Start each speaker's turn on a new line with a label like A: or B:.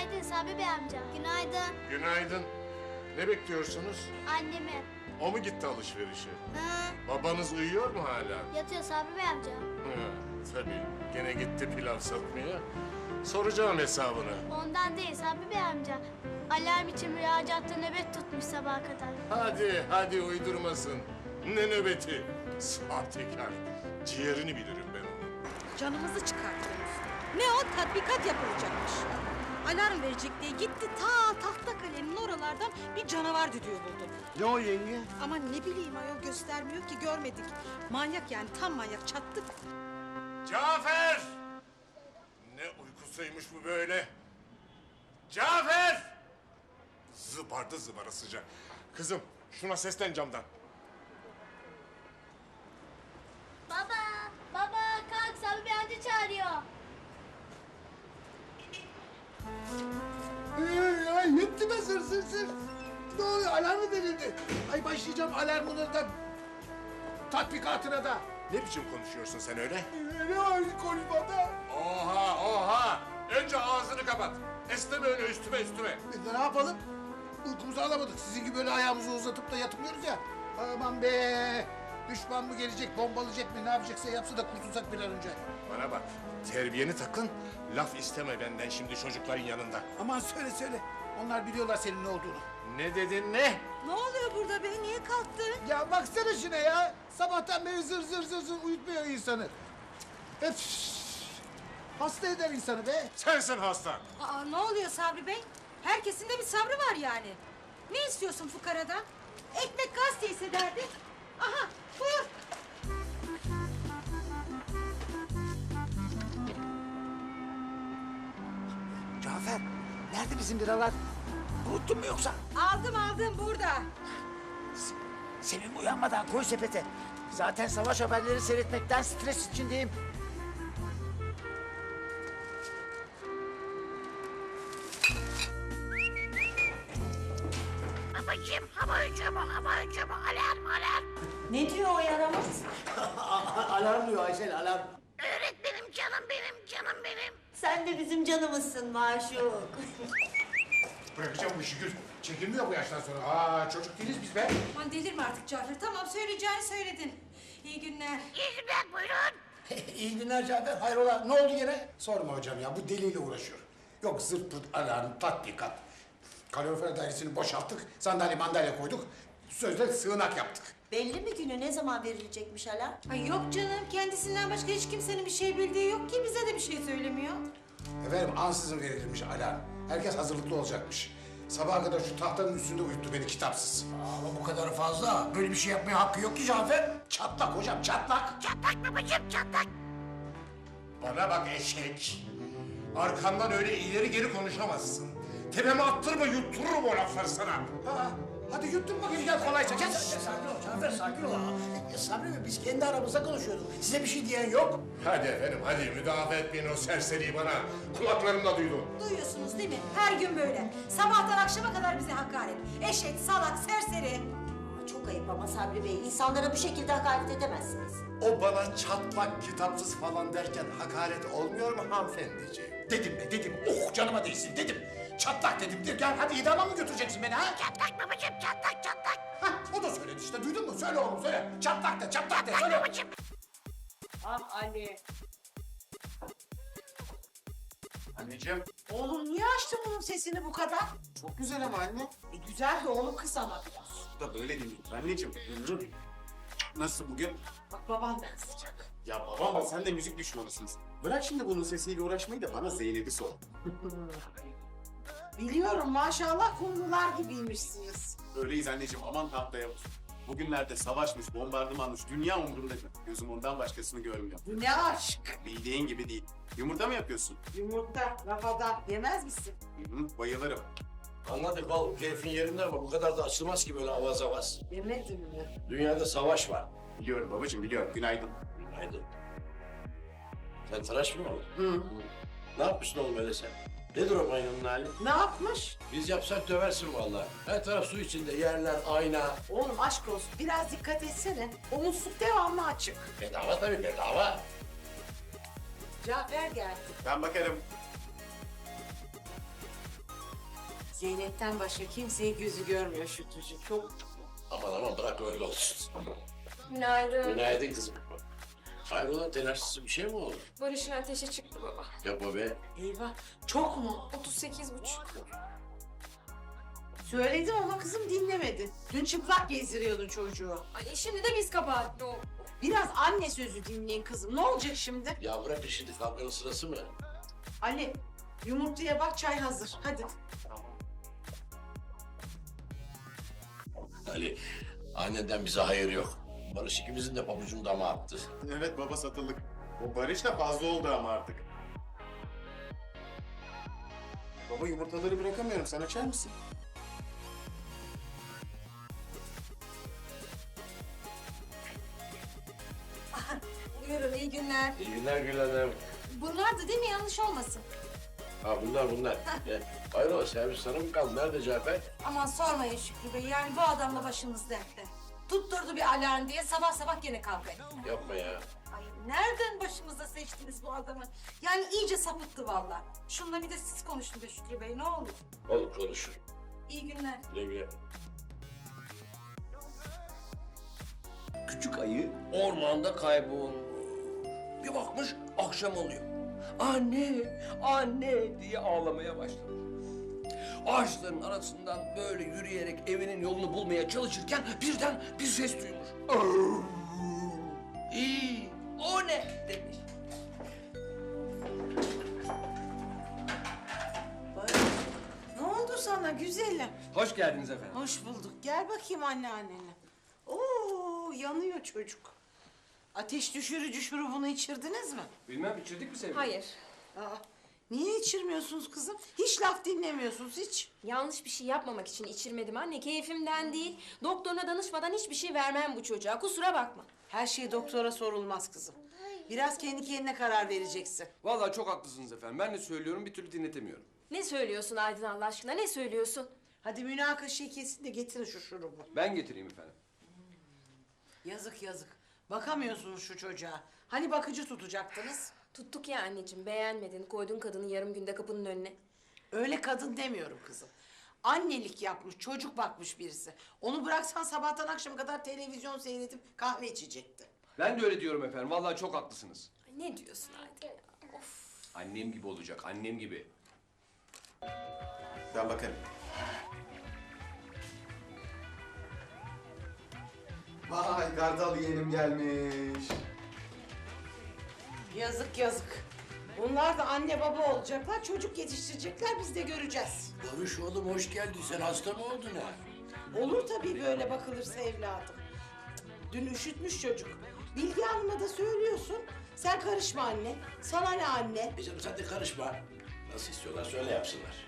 A: Günaydın Sabri Bey amca. Günaydın.
B: Günaydın. Ne bekliyorsunuz?
A: Annemi.
B: O mu gitti alışverişe?
A: Hı,
B: Babanız uyuyor mu hala?
A: yatıyor Sabri Bey amca.
B: Hı, tabii. Gene gitti pilav satmaya. Soracağım hesabını.
A: Ondan değil Sabri Bey amca. Alarm için müracaatta nöbet tutmuş sabaha kadar.
B: Hadi uydurmasın. Ne nöbeti? Sahtekar. Ciğerini bilirim ben onun.
C: Canımızı çıkartıyoruz. Ne o? Tatbikat yapılacakmış. Alarm verecek diye gitti Tahtakale'nin oralardan bir canavar düdüğü buldu.
D: Ne o yenge?
C: Ama ne bileyim ayol göstermiyor ki görmedik. Manyak yani tam manyak çattık.
B: Cafer! Ne uykusuymuş bu böyle? Cafer! Zıbardı zıbarasıca. Kızım şuna seslen camdan.
A: Baba kalk Sabri Bey amca çağırıyor.
D: Ay yetti be sır. Ne oluyor? Alarm mı verildi? Ay başlayacağım alarmına da, tatbikatına da.
B: Ne biçim konuşuyorsun sen öyle?
D: Ne var konuşmada?
B: Oha! Önce ağzını kapat. Esneme öyle üstüme.
D: Biz de ne yapalım? Uykumuzu alamadık. Sizin gibi böyle ayağımızı uzatıp da yatmıyoruz ya. Aman be! Düşman mı gelecek, bombalayacak mı, ne yapacaksa yapsın da kurtulsak bir an önce.
B: Bana bak, terbiyeni takın. Laf isteme benden şimdi çocukların yanında.
D: Aman söyle. Onlar biliyorlar senin ne olduğunu.
B: Ne dedin ne?
C: Ne oluyor burada be? Niye kalktın?
D: Ya baksana şuna ya. Sabahtan beri zır uyutmuyor insanı. Öf! Hasta eder insanı be.
B: Sensin hasta.
C: Aa ne oluyor Sabri Bey? Herkesin de bir sabrı var yani. Ne istiyorsun fukaradan? Ekmek gazete ise derdi. Aha buyur.
D: Cafer, nerede bizim biralar? Unuttun mu yoksa?
C: Aldım burada.
D: Sevim uyanmadan koy sepete. Zaten savaş haberleri seyretmekten stres içindeyim.
E: Ne diyor o yaramaz?
D: Alarm diyor Aysel, alarm.
E: Öğretmenim canım benim. Sen de bizim canımızsın maşuk.
D: Bırakacağım bu işi Gül. Çekilmiyor bu yaştan sonra. Aa, çocuk değiliz biz be.
C: Aman delirme artık Cafer. Tamam söyleyeceğini söyledin. İyi günler.
D: İyi günler Cafer, hayrola? Ne oldu yine? Sorma hocam ya, bu deliyle uğraşıyor. Yok zırt pırt alarm, tatbikat. Kalorifer dairesini boşalttık, sandalye mandalye koyduk. Sözde sığınak yaptık.
E: Belli mi günü ne zaman verilecekmiş alarm?
C: Ay yok canım. Kendisinden başka hiç kimsenin bir şey bildiği yok ki. Bize de bir şey söylemiyor.
D: Efendim ansızın verilmiş alarm. Herkes hazırlıklı olacakmış. Sabaha kadar şu tahtanın üstünde uyuttu beni kitapsız. Ama bu kadar fazla. Böyle bir şey yapmaya hakkı yok ki Cafer. Çatlak hocam, çatlak.
B: Bana bak eşek. Arkamdan öyle ileri geri konuşamazsın. Tepeme attırma yuttururum o lafları sana.
D: Ha, hadi yuttun bakayım gel kolayca. Gel. Sakin ol Cafer, sakin ol. Sabri Bey, biz kendi aramızda konuşuyorduk. Size bir şey diyen yok.
B: Hadi efendim hadi müdafaa etmeyin o serseriyi bana. Kulaklarımla duydum.
C: Duyuyorsunuz değil mi? Her gün böyle. Sabahtan akşama kadar bize hakaret. Eşek, salak, serseri.
E: Çok ayıp ama Sabri Bey. İnsanlara bu şekilde hakaret edemezsiniz.
F: O bana çatlak kitapsız falan derken hakaret olmuyor mu hanımefendiciğim?
D: Dedim be dedim. Oh canıma değsin dedim. Çatlak dedim. Gel hadi idama mı götüreceksin beni ha?
E: Çatlak babacığım çatlak.
D: Hah o da söyledi işte. Duydun mu? Söyle oğlum söyle. Çatlak de söyle.
G: Ah Ali.
F: Anneciğim.
G: Oğlum niye açtın bunun sesini bu kadar?
F: Çok güzel ama anne.
G: Güzel de oğlum kız ama biraz.
F: Bu da böyle değil. Anneciğim. Nasıl bugün?
G: Bak babandan sıcak.
F: Ya baba sen de müzik düşmanısınız. Bırak şimdi bunun sesiyle uğraşmayı da bana Zeynep'i sor.
G: Biliyorum maşallah kumrular gibiymişsiniz.
F: Öyleyiz anneciğim aman haftaya olsun. Bugünlerde savaşmış, bombardımanmış, dünya umurumda değil. Gözüm ondan başkasını görmüyor.
G: Bu ne aşk.
F: Bildiğin gibi değil. Yumurta mı yapıyorsun?
G: Yumurta, rafadan yemez misin?
F: Hı, bayılırım.
H: Anladık oğlum, keyfin yerinde ama bu kadar da açılmaz ki böyle avaz avaz.
G: Yemedim mi?
H: Dünyada savaş var.
F: Biliyorum babacığım biliyorum. Günaydın.
H: Haydi. Sen tıraş mı oldun? Hı. Ne yapmışsın oğlum öyle sen? Nedir o banyonun hali?
G: Ne yapmış?
H: Biz yapsak döversin vallahi. Her taraf su içinde, yerler, ayna.
G: Oğlum aşk olsun biraz dikkat etsene. O musluk devamlı açık.
H: Bedava tabii bedava.
G: Cafer geldi.
F: Ben bakarım.
G: Zeynep'ten başka kimseyi gözü görmüyor Şükrücüğüm. Çok
H: Aman bırak öyle olsun.
I: Günaydın.
H: Günaydın kızım. Hayrola telaşsız bir şey mi oldu?
I: Barış'ın ateşi çıktı baba.
H: Yapma be.
G: eyvah. Çok mu?
I: 38,5.
G: Söyledim ama kızım dinlemedi. Dün çıplak gezdiriyordun çocuğu.
I: Ay şimdi de biz kabahatli o.
G: Biraz anne sözü dinleyin kızım. Ne olacak şimdi?
H: Ya bırak şimdi kavganın sırası mı?
G: Ali, yumurtaya bak çay hazır. Hadi.
H: Ali, annenden bize hayır yok. Barış ikimizin de pabucunu dama attı.
F: Evet baba satılık. O Barış da fazla oldu ama artık. Baba yumurtaları bırakamıyorum. Sen açar mısın?
C: Buyurun iyi günler.
H: İyi günler Gül Hanım.
C: Bunlardı değil mi? Yanlış olmasın.
H: Ha bunlar. Hayrola servis sana mı kaldı? Nerede Cafer?
C: Aman sormayın Şükrü Bey. Yani bu adamla başımız dertte. Tutturdu bir alarm diye sabah sabah gene kavga etti.
H: Yapma ya.
C: Ay nereden başımıza seçtiniz bu adamı? Yani iyice sapıttı vallahi. Şununla bir de siz konuşun be Şükrü Bey ne olur.
H: Olur konuşur.
C: İyi günler.
H: Güle güle.
J: Küçük ayı ormanda kaybolmuş. Bir bakmış akşam oluyor. Anne, anne diye ağlamaya başlamış. Ağaçların arasından böyle yürüyerek evinin yolunu bulmaya çalışırken birden bir ses duymuş. İyi, o ne demiş.
G: Ne oldu sana güzelim?
J: Hoş geldiniz efendim.
G: Hoş bulduk. Gel bakayım anneannene. Oo, yanıyor çocuk. Ateş düşürücü şurubunu içirdiniz mi?
J: Bilmem içirdik mi sevgilim?
I: Hayır.
G: Aa, niye içirmiyorsunuz kızım? Hiç laf dinlemiyorsunuz hiç.
I: Yanlış bir şey yapmamak için içirmedim anne. Keyfimden değil. Doktoruna danışmadan hiçbir şey vermem bu çocuğa. Kusura bakma.
G: Her şey doktora sorulmaz kızım. Biraz kendi kendine karar vereceksin.
J: Vallahi çok haklısınız efendim. Ben de söylüyorum bir türlü dinletemiyorum.
I: Ne söylüyorsun Aydın Allah aşkına? Ne söylüyorsun?
G: Hadi münakaşayı kesin de getirin şu şurubu.
J: Ben getireyim efendim.
G: Yazık yazık. Bakamıyorsunuz şu çocuğa. Hani bakıcı tutacaktınız?
I: Tuttuk ya anneciğim. Beğenmedin. Koydun kadını yarım günde kapının önüne.
G: Öyle kadın demiyorum kızım. Annelik yapmış, çocuk bakmış birisi. Onu bıraksan sabahtan akşama kadar televizyon seyredip kahve içecekti.
J: Ben de öyle diyorum efendim. Vallahi çok haklısınız.
I: Ay, ne diyorsun Aydın ya? Of.
J: Annem gibi olacak, annem gibi.
F: Ben bakarım. Vay Gardal yeğenim gelmiş.
G: Yazık yazık. Bunlar da anne baba olacaklar, çocuk yetiştirecekler, biz de göreceğiz.
H: Barış oğlum hoş geldin. Sen hasta mı oldun ha?
G: Olur tabii böyle bakılırsa evladım. Dün üşütmüş çocuk. Bilge Hanım'a da söylüyorsun. Sen karışma anne. Sana ne anne?
H: Canım sen de karışma. Nasıl istiyorlar söyle yapsınlar.